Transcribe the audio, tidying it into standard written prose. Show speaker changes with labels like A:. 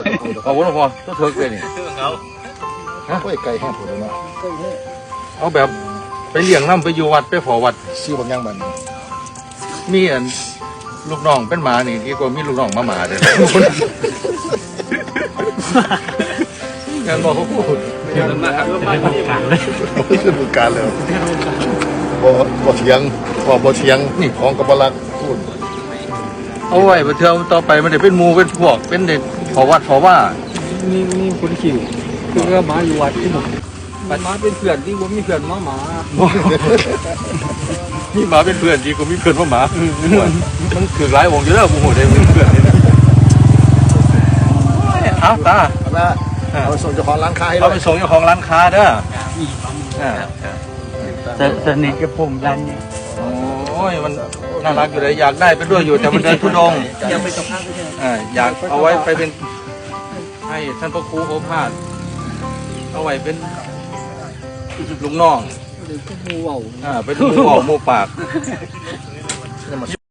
A: เอาวนพอตัวเถิกเลยนี่ฮะ
B: โอ้ยไก่แห้งผุดเลยเนาะ
A: เอาแบบไปเลี้ยงน้ำไปอยู่วัดไปขอวัด
B: ชื่อบางอย่างมัน
A: มีอันลูกน้องเป็นหมานี่ที่ก็มีลูกน้องมาหมาเลยงานบอกเขาพูด
B: คือบุญการเลยบ่เถียงบ่เถียงนี่ของกับบลักพูด
A: เอาไว้ไปเที่ยวต่อไปมันเดี๋ยวเป็นหมูเป็นพวกเป็นเด็กขอวัดขอว่า
C: มีคนขี่คือหมาอยู่วัดที่ผมหมาเป็นเพื่อนที่ผมมีเพื่อนหมา
A: นี่หมาเป็นเพื่อนดีกว่ามีเพื่อนว่าหมามันถือหลายวงอยู่แล้วบุหัวได้เป็นเพื่อนนี่นะเอาตา
B: เอาไปส่งเจ้าของร้านค้าให้
A: เราไปส่งเจ้าของร้านค้าเด้อ
C: สนิทกับผมยันนี่
A: โอ้ยมันน่ารักอยู่เลยอยากได้ไปด้วยอยู่แต่มันเดินทุดง
C: ยังไปตรงข้างไม่ใช่
A: อยากเอาไว้ไปเป็นให้ท่านพระครูโอภาสเอาไว้เป็นลุงน้อง
C: หรือก็มูเว่า
A: เป็นหมูออกหมูปาก